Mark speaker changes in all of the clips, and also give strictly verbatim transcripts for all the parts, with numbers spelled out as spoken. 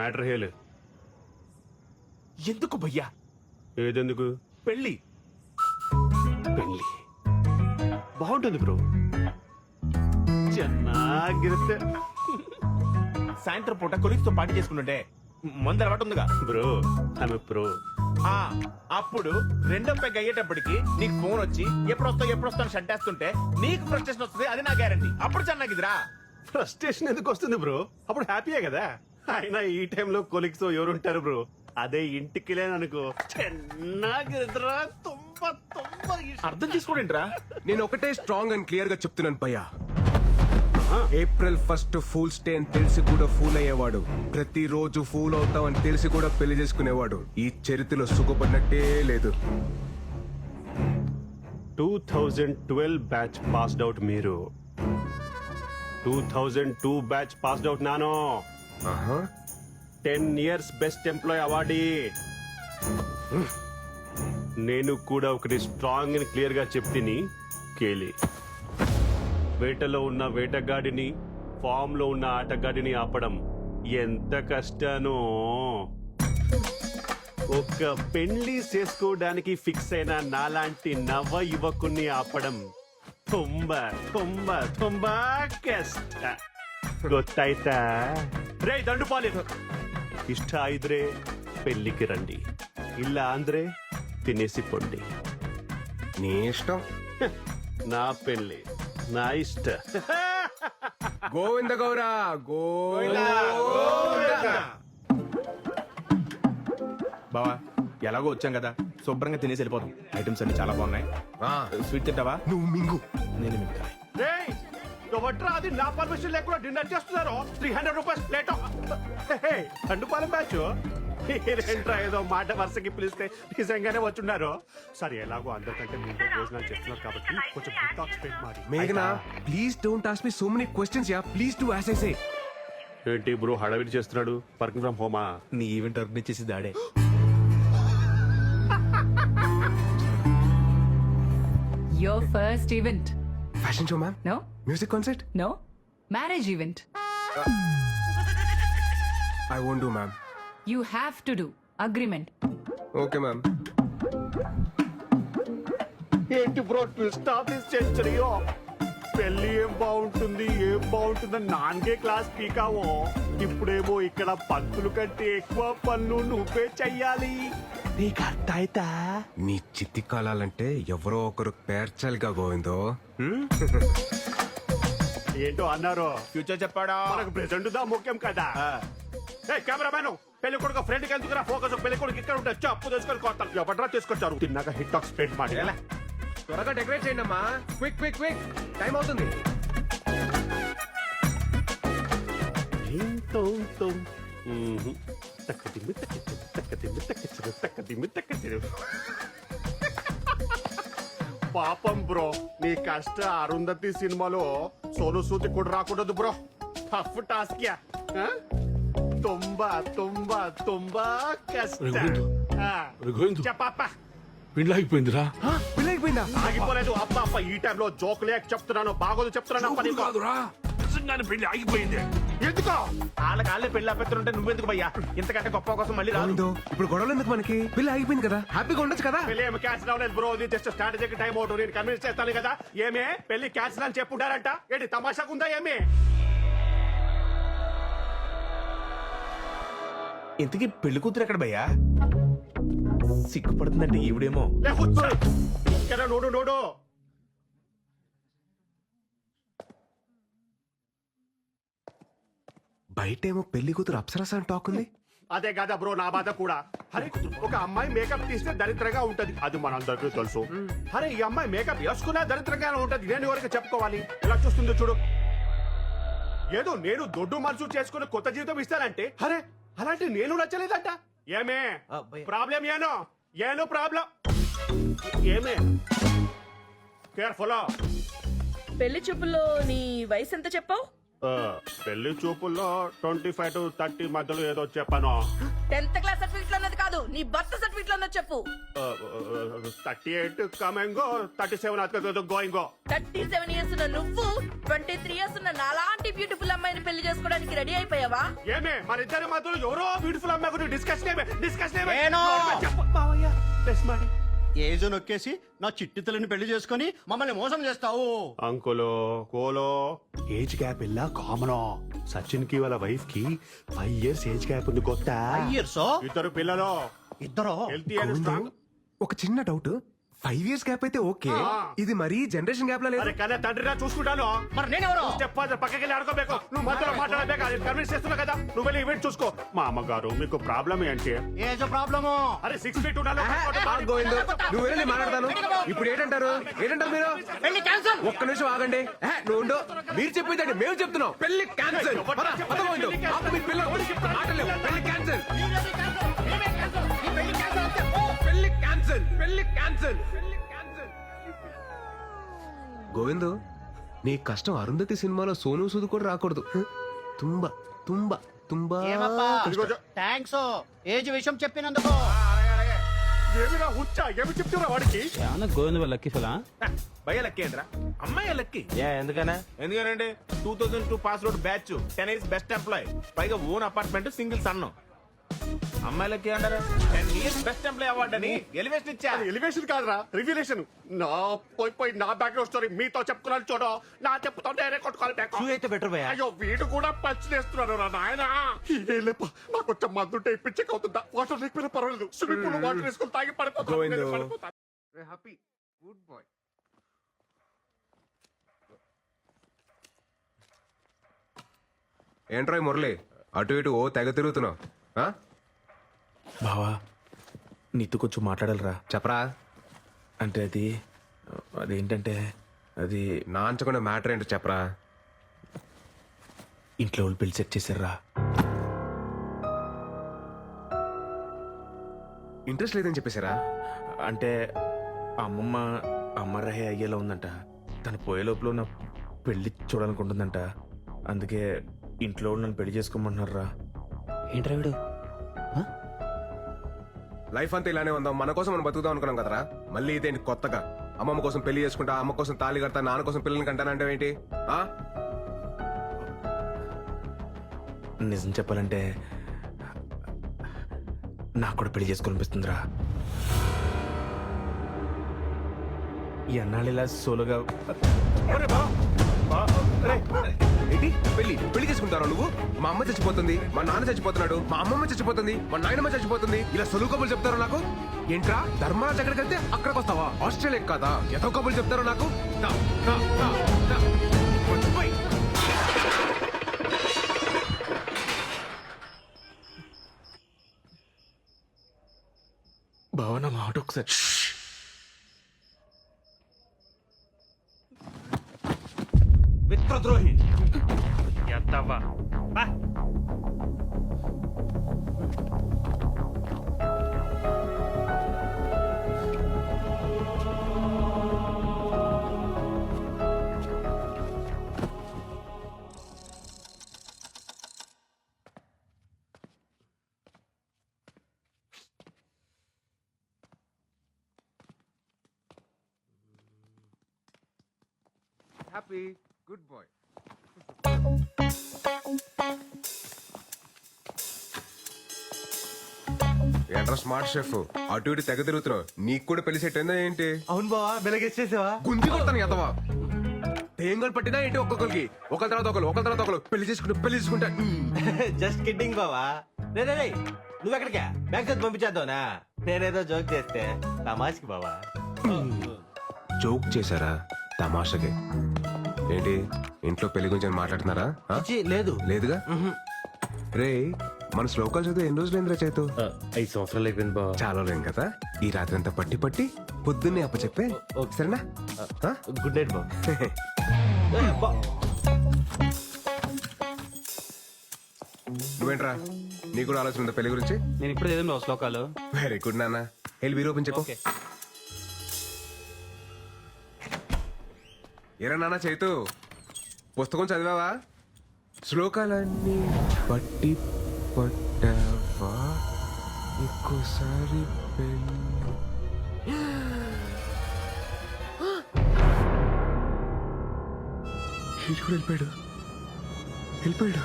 Speaker 1: Matter హేలు.
Speaker 2: ఎందుకు భయ్యా?
Speaker 1: ఏదెందుకు?
Speaker 2: పెళ్ళి
Speaker 1: పెళ్ళి బాగుంటుంది బ్రో, ಚೆನ್ನಾಗಿರುತ್ತೆ.
Speaker 2: సాయంత్రం పూట కొలిక్స్ తో పార్టీ చేసుకుంటుంటే మందు అలవాటు ఉందిగా
Speaker 1: బ్రో. ఆమె ప్రో.
Speaker 2: ఆ అప్పుడు రెండో పెగ్ అయ్యేటప్పటికి నీకు ఫోన్ వచ్చి ఎప్పుడు వస్తావు ఎప్పుడు వస్తావు షట్ వేస్తుంటే నీకు ఫ్రస్ట్రేషన్ వస్తుంది. అది నా గ్యారంటీ. అప్పుడు చెన్నాగిదిరా.
Speaker 1: ఫ్రస్ట్రేషన్ ఎందుకు వస్తుంది బ్రో? అప్పుడు హ్యాపీయే కదా. అయినా ఈ టైంలో కొలిక్స్ ఎవరుంటారు బ్రో? అదే ఇంటికి లేననుకో ಚೆನ್ನಾಗಿರುತ್ತరా. తుంబ తుంబ
Speaker 2: అర్థం చేసుకోండిరా.
Speaker 3: నేను ఒకటే స్ట్రాంగ్ అండ్ క్లియర్ గా చెప్తున్నాను భయ్యా. ఏప్రిల్ ఫస్ట్ ఫూల్స్ డే అని తెలిసి కూడా ఫూల్ అయ్యేవాడు, ప్రతిరోజు ఫూల్ అవుతాం అని తెలిసి కూడా పెళ్లి చేసుకునేవాడు ఈ చరిత్రలో సుఖపడినట్టే లేదు.
Speaker 1: Two thousand twelve batch passed out మీరు. Two thousand two batch passed out నాను.
Speaker 3: ఆహా.
Speaker 1: Ten years best employee awardee. నేను కూడా ఒకటి స్ట్రాంగ్ అని క్లియర్ గా చెప్తిని కేలి. వేటలో ఉన్న వేటగాడిని, ఫామ్ లో ఉన్న ఆటగాడిని ఆపడం ఎంత కష్టానో. ఒక పెళ్లి చేసుకోవడానికి ఫిక్స్ అయిన నాలాంటి నవ యువకుణ్ణి ఆపడం తుంబ తుంబ తుంబ కಷ್ಟ. ಗೊತ್ತಾಯ್ತಾ? ರೇ ದಂಡುಪಾಲಿ, ಇಷ್ಟ ಇದ್ರೆ పెళ్లికి రండి, ಇಲ್ಲ ಅಂದ್ರೆ తినేసి పొండి.
Speaker 3: నీ ఇష్టం.
Speaker 1: నా పెళ్లి నా ఇష్ట.
Speaker 3: గోవింద గౌరా గోవింద.
Speaker 2: బావా ఎలాగో వచ్చాం కదా, శుభ్రంగా తినేసి వెళ్ళిపోతాం. ఐటమ్స్ అన్ని చాలా బాగున్నాయి.
Speaker 3: ఆ,
Speaker 2: స్వీట్ తింటావా?
Speaker 3: నువ్వు మింగు.
Speaker 2: నేను మిగతా.
Speaker 1: రేయ్, ఎవట్రా అది నా పర్మిషన్ లేకుండా డిన్నర్ చేస్తున్నారు? Three hundred rupees plate. Dandupalem batch ఏంట్రా ఏదో మాట వరుసకి పిలిస్తే నిజంగానే వచ్చున్నారు. సరే, ఎలాగో అందరికంటే మీతో భోజనాలు చెప్తున్నారు కాబట్టి కొంచెం డిటాక్స్ పెట్టి మారి.
Speaker 3: మేఘనా, please don't ask me so many questions యా. Please do as I say.
Speaker 1: ఏంటి బ్రో హడావిడి చేస్తున్నాడు? వర్కింగ్ ఫ్రమ్ హోమా?
Speaker 2: నీ ఈవెంట్ ఆర్గనైజ్ చేసి దాడే.
Speaker 4: Your first event.
Speaker 3: Fashion show ma'am.
Speaker 4: No?
Speaker 3: Music concert.
Speaker 4: No? Marriage event.
Speaker 3: I won't do ma'am.
Speaker 4: You have to do. Agreement.
Speaker 3: Okay ma'am.
Speaker 1: ఏంటి bro twist of this సెంచరీయో? పెళ్లి ఏం బాగుంటుంది ఏం బాగుంటుందని నాన్గే క్లాస్ పీకావో, ఇప్పుడేమో ఇక్కడ పంతులు కంటే ఎక్కువ పనులు నువ్వే చెయ్యాలి. నీకు అర్థమైతా?
Speaker 3: నీ చిత్తి కాలాలంటే ఎవరో ఒకరు పేర్చాలిగా గోవిందో.
Speaker 1: ఏంటో అన్నారు.
Speaker 2: ఫ్యూచర్ చెప్పాడా?
Speaker 1: మనకు ప్రెసెంట్ దా ముఖ్యం కదా. ఏ కెమెరామెన్, పెళ్లి కొడుకు ఫ్రెండ్ కి ఎందుకు ఫోకస్? పెళ్లి కొడుకు ఇక్కడ ఉంటే అప్పు తీసుకొని కొత్త ఎవడరా తీసుకొచ్చారు? తిన్నాక హిట్ టాక్ స్ప్రెడ్ మాట.
Speaker 3: త్వరగా డెకరేట్ చేయండి అమ్మా. క్విక్ క్విక్ క్విక్, టైం అవుతుంది.
Speaker 1: పాపం బ్రో, నీ కష్ట అరుంధతి సినిమాలో సోను సూది కూడా రాకూడదు బ్రో. టఫ్ టాస్క్ యా. తుంబా తుంబా తుంబా కష్ట. చెప్పప్ప
Speaker 5: పెళ్ళి ఆగిపోయిందిరా.
Speaker 3: పెళ్ళి అయిపోయిందా?
Speaker 1: ఆగిపోలేదు. అప్ప అప్ప ఈ టైంలో జోక్ లేక చెప్తున్నాను, బాగోదు చెప్తున్నాను. అప్ప నీకు
Speaker 5: కాదురా, నిజంగానే పెళ్లి ఆగిపోయింది.
Speaker 1: ఎందుకో?
Speaker 2: వాళ్ళకి వాళ్ళే పెళ్లి ఆపెత్తుంటే నువ్వెందుకు భయ్యా? ఇంతకంటే గొప్ప కోసం మళ్ళీ రాదు.
Speaker 3: గోవిందో, ఇప్పుడు గొడవలు ఎందుకు మనకి? పెళ్లి ఆగిపోయింది కదా, హ్యాపీగా ఉండొచ్చు కదా.
Speaker 1: పెళ్లి ఏమి క్యాన్సిల్ అవ్వలేదు బ్రో. ఇది జస్ట్ స్ట్రాటజీకి టైం అవుట్. నేను కన్విన్స్ చేస్తాను కదా. ఏమే పెళ్లి క్యాన్సిల్ అని చెప్పుంటారంట. ఏంటి తమాషాకుందా ఏమి?
Speaker 2: ఇంతకీ పెళ్లి కూతురు ఎక్కడ భయ్యా? సిగ్గుపడుతుందంటే ఈవిడేమో.
Speaker 1: లే కూర్చో. ఇక్కడ నోడు నోడు.
Speaker 3: బయటేమో పెళ్లి కూతురు అప్సరస అని టాక్ ఉంది.
Speaker 1: అదే కదా బ్రో నా బాధ కూడా. అరే, ఒక అమ్మాయి మేకప్ తీస్తే దరిద్రంగా ఉంటది, అది మనందరికీ తెలుసు. అరే, ఈ అమ్మాయి మేకప్ వేసుకున్నా దరిద్రంగానే ఉంటది. నేను ఎవరికి చెప్పుకోవాలి? ఎలా చూస్తుందో చూడు. ఏదో నేను దొడ్డు మనసు చేసుకుని కొత్త జీవితం ఇస్తానంటే, అరే అలాంటి నేను నచ్చలేదంట. ఏమే ప్రాబ్లం? ఏనో ఏనో ప్రాబ్లం ఏమే? కేర్ఫుల్.
Speaker 6: పెళ్లి చూపుల్లో నీ వయసు ఎంత చెప్పావు?
Speaker 1: పెళ్లి చూపుల్లో ట్వంటీ ఫైవ్ టు థర్టీ మధ్యలో ఏదో చెప్పాను.
Speaker 6: టెన్త్ క్లాస్ సర్టిఫికెట్ అన్నది కాదు, నీ బర్త్ సర్టిఫికెట్ లో చెప్పు.
Speaker 1: థర్టీ ఎయిట్ కమెంగో థర్టీ సెవెన్ గోయింగో.
Speaker 6: థర్టీ సెవెన్ ఇయర్స్ ఉన్న నువ్వు ట్వంటీ త్రీ ఇయర్స్ ఉన్న నాలాంటి బ్యూటిఫుల్ అమ్మాయిని పెళ్లి చేసుకోవడానికి రెడీ అయిపోయావా?
Speaker 1: ఏమే మన ఇద్దరి మధ్యలో ఎవరో బ్యూటిఫుల్ అమ్మాయి గురించి డిస్కషన్ ఏమే డిస్కషన్ ఏమే
Speaker 7: ఏనో.
Speaker 1: చెప్పు మావయ్య ప్లస్ మరి
Speaker 7: ఏజ్ నొక్కేసి నా చిట్టి తల్లిని పెళ్లి చేసుకుని మమ్మల్ని మోసం చేస్తావు.
Speaker 1: అంకులో కోలో ఏజ్ గ్యాప్ ఇలా కామన్. సచిన్ కి వాళ్ళ వైఫ్ కి ఫైవ్ ఇయర్స్ ఏజ్ గ్యాప్ ఉంది కొత్త.
Speaker 7: ఇయర్స్
Speaker 1: ఇద్దరు పిల్లలు
Speaker 7: ఇద్దరు
Speaker 1: హెల్తీ అండ్ స్ట్రాంగ్.
Speaker 3: ఒక చిన్న డౌట్, ఫైవ్ ఇయర్స్ గ్యాప్ అయితే ఓకే,
Speaker 1: ఆ.
Speaker 3: ఇది మరీ జనరేషన్ గ్యాప్ లా లేదు.
Speaker 1: అరే కానీ తండ్రిరా చూసుకుంటాను.
Speaker 7: మరి నేనెవరు?
Speaker 1: స్టెప్ ఫాదర్ పక్కకి వెళ్ళి ఆడుకోಬೇಕು. నువ్వు మధ్యలో మాట్లాడలేక అది కన్విన్స్ చేస్తున్నా కదా. నువ్వు వెళ్ళి ఈవెంట్ చూసుకో. మా అమ్మగారు మీకు ప్రాబ్లం ఏంటి?
Speaker 7: Age problem.
Speaker 1: అరే సిక్స్ ఫీట్ ఉండాలి.
Speaker 3: ఆ, గోవిందు నువ్వు వెళ్ళి మాట్లాడతాను. ఇప్పుడు ఏంటంటారు ఏంటంటారు మీరు?
Speaker 7: పెళ్లి క్యాన్సల్.
Speaker 3: ఒక్క నిమిషం ఆగండి. ఏ, నువ్వు ఉండు. మీరు చెప్పిందండి మేము చెప్తున్నాం. పెళ్లి క్యాన్సల్. పెళ్లి క్యాన్సల్. పెళ్లి క్యాన్సల్. పెళ్లి క్యాన్సల్. గోవిందు నీ కష్టం అరుంధతి సినిమాలో సోను సూద్ కూడా రాకూడదు. తుంబా తుంబా తుంబా
Speaker 7: ఏమప్పా
Speaker 1: ఇదిగో.
Speaker 7: థ్యాంక్స్ ఏజ్ విషయం చెప్పినందుకు.
Speaker 1: ఏమిరా హుచ్చా ఏమి చెప్తున్నా వాడికి?
Speaker 8: గోవింద వాళ్ళ లక్కీ ఫలా
Speaker 2: భయ లక్కీ ఏంట్రా? అమ్మాయి లక్కీ.
Speaker 8: ఏ ఎందుకనా?
Speaker 2: ఎందుకంటే two thousand two pass out batch, ten years best employee, పైగా ఓన్ అపార్ట్మెంట్, సింగిల్ సన్ను. అమ్మాయిలకి అంటారా ten years best employee award అని ఎలివేషన్ ఇచ్చా.
Speaker 1: ఎలివేషన్ కాదురా రివ్యులేషన్. నా పోయి పోయి నా బ్యాక్గ్రౌండ్ స్టోరీ మీతో చెప్పుకున్నాను చూడు. నా చెప్పుతుంటే కొట్టుకోవాలి back.
Speaker 8: అయితే బెటర్ భయ.
Speaker 1: అయ్యో వీడు కూడా పంచ్ చేస్తున్నాడు రా నాయన. లేప నాకు కొంచెం మందుంటే పిచ్చక్ అవుతుందా? వాటర్ లేకపోయినా పర్వాలేదు. స్విమ్మింగ్ పూల్ వాటర్ వేసుకుని తాగి
Speaker 3: గోవిందు.
Speaker 1: పడిపోతా.
Speaker 3: Happy good boy. ఏంట్రాయ్ మురళి అటు ఇటు ఓ తెగ తిరుగుతున్నావు? ఆ?
Speaker 2: బావా నీతో కొంచెం మాట్లాడాలరా.
Speaker 3: చెప్పరా.
Speaker 2: అంటే అది అదేంటంటే అది
Speaker 3: నాంచకుండా మ్యాటర్ ఏంటో చెప్పరా.
Speaker 2: ఇంట్లో వాళ్ళు పెళ్లి సెట్ చేశారా.
Speaker 3: ఇంట్రెస్ట్ లేదని చెప్పేశారా?
Speaker 2: అంటే అమ్మమ్మ అమ్మరహే అయ్యేలా ఉందంట. తను పోయే లోపల నా పెళ్లి చూడాలనుకుంటుందంట. అందుకే ఇంట్లో వాళ్ళు నన్ను పెళ్లి చేసుకోమంటున్నారా.
Speaker 8: ఏంట్రా వీడు?
Speaker 3: లైఫ్ అంతా ఇలానే ఉందాం, మన కోసం మనం బతుకుదాం అనుకున్నాం కదరా. మళ్ళీ ఇదేంటి కొత్తగా? అమ్మమ్మ కోసం పెళ్లి చేసుకుంటా, అమ్మ కోసం తాళి కడతా, నాన్న కోసం పిల్లల్ని కంటానంటే ఏంటి? ఆ?
Speaker 2: నిజం చెప్పాలంటే నాకు కూడా పెళ్లి చేసుకోవాలనిపిస్తుందిరా. ఈ అన్నాళ్ళు ఇలా సోలోగా
Speaker 3: ఏంటి పెళ్లి పెళ్లి చేసుకుంటారా నువ్వు? మా అమ్మ చచ్చిపోతుంది, మా నాన్న చచ్చిపోతున్నాడు, మా అమ్మమ్మ చచ్చిపోతుంది, మా నాయనమ్మ చచ్చిపోతుంది, ఇలా సొలువు కబులు చెప్తారా నాకు? ఏంట్రా ధర్మరాజ్ ఎక్కడికి వెళ్తే అక్కడికి వస్తావా? ఆస్ట్రేలియా కాదా? ఎంతో కబులు చెప్తారా నాకు? దా, దా, దా, దా. పోయ్.
Speaker 2: భావన మాట ఒకసారి.
Speaker 8: మిత్రద్రోహి.
Speaker 3: Happy good boy. ఏంట్రా స్మార్ట్ షెఫ్ అటు ఇటు తెగ తిరుగుతున్నావు? నీకు కూడా పెళ్లి సెట్ అయిందా ఏంటి?
Speaker 8: అవును బావా వెలగేసేసావా?
Speaker 3: గుంజి కొడతాను ఎదవా. తేంగలు పట్టినా ఏంటి ఒక్కొక్కరికి? ఒకరి తర్వాత ఒకరు ఒకరి తర్వాత ఒకరు పెళ్లి చేసుకుంటూ పెళ్లి చేసుకుంటా.
Speaker 8: జస్ట్ కిడ్డింగ్ బావా. రే రే రే నువ్వు ఎక్కడికా? బ్యాంక్ చదివి పంపించేద్దావునా? నేనేదో జోక్ చేస్తే తమాష్కి బావా.
Speaker 3: జోక్ చేశారా? తమాషకే. ఏంటి ఇంట్లో పెళ్లి గురించి ఏమైనా మాట్లాడుతున్నారా? ఆ?
Speaker 8: ఛీ, లేదు.
Speaker 3: లేదుగా. రే మన శ్లోకాలు చదివి ఎన్ని రోజులు ఏంద్రా చేతు?
Speaker 8: ఐదు సంవత్సరాలు అయిపోయింది బావా.
Speaker 3: చాలా లేం కదా. ఈ రాత్రి అంతా పట్టి పట్టి పొద్దున్నే అప్ప చెప్పే సరేనా? ఆ?
Speaker 8: గుడ్ నైట్ బావ.
Speaker 3: నువ్వేంట్రా నీకు కూడా ఆలోచన ఉందా పెళ్లి గురించి?
Speaker 8: నేను ఇప్పుడు చదివిన బావ శ్లోకాలు.
Speaker 3: వెరీ గుడ్ నాన్న. వెళ్ళి వీరు ఓపెన్ చెప్పు.
Speaker 8: ఓకే.
Speaker 3: ఏరా నాన్న చైతు పుస్తకం చదివావా? శ్లోకాలన్నీ పట్టి పట్టావా? ఇంకోసారి పెళ్లి వీడు కూడా వెళ్ళిపోయాడు వెళ్ళిపోయాడు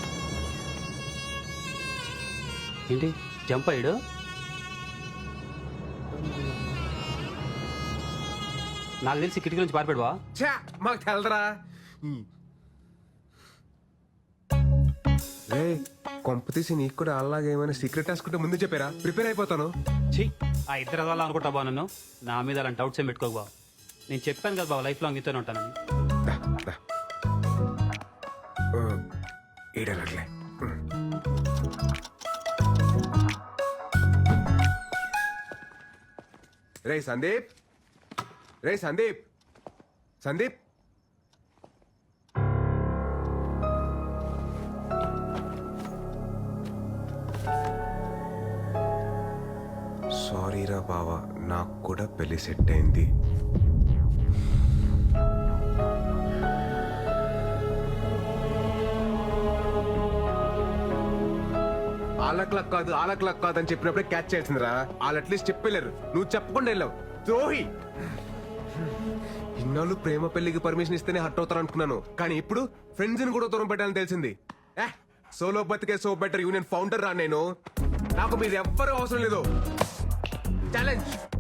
Speaker 9: ఏంటి జంప్ అయ్యాడు నాకు తెలిసి కిటికీ నుంచి పారిపోయాడు బా
Speaker 3: ఛా మాకు తెలదరా రే కొంప తీసి నీకు కూడా అలాగే ఏమైనా సీక్రెట్ రాసుకుంటే ముందు చెప్పారా ప్రిపేర్ అయిపోతాను
Speaker 9: ఛీ ఆ ఇద్దరు అదవాళ్ళు అనుకుంటా బా నన్ను నా మీద అలాంటి డౌట్స్ ఏం పెట్టుకోకు బా నేను చెప్పాను కదా బాబు లైఫ్ లాంగ్ నీతోనే ఉంటానని
Speaker 3: దా, దా. ఆ, ఈడనట్లే రే సందీప్ రే సందీప్ సందీప్ సారీరా బావా నాకు కూడా పెళ్లి సెట్ అయింది ఆలక్లక్ కాదు ఆలక్లక్ కాదు అని చెప్పినప్పుడే క్యాచ్ చేసిందిరా వాళ్ళు అట్లీస్ట్ చెప్పలేరు నువ్వు చెప్పకుండా వెళ్ళావు ద్రోహి ఇన్నాళ్ళు ప్రేమ పెళ్లికి పర్మిషన్ ఇస్తేనే హట్ అవుతారు అనుకున్నాను కానీ ఇప్పుడు ఫ్రెండ్స్ ని కూడా దూరం పెట్టాలని తెలిసింది సోలో బతికే సో బెటర్ యూనియన్ ఫౌండర్ రా నేను నాకు మీరు ఎవ్వరూ అవసరం లేదు ఛాలెంజ్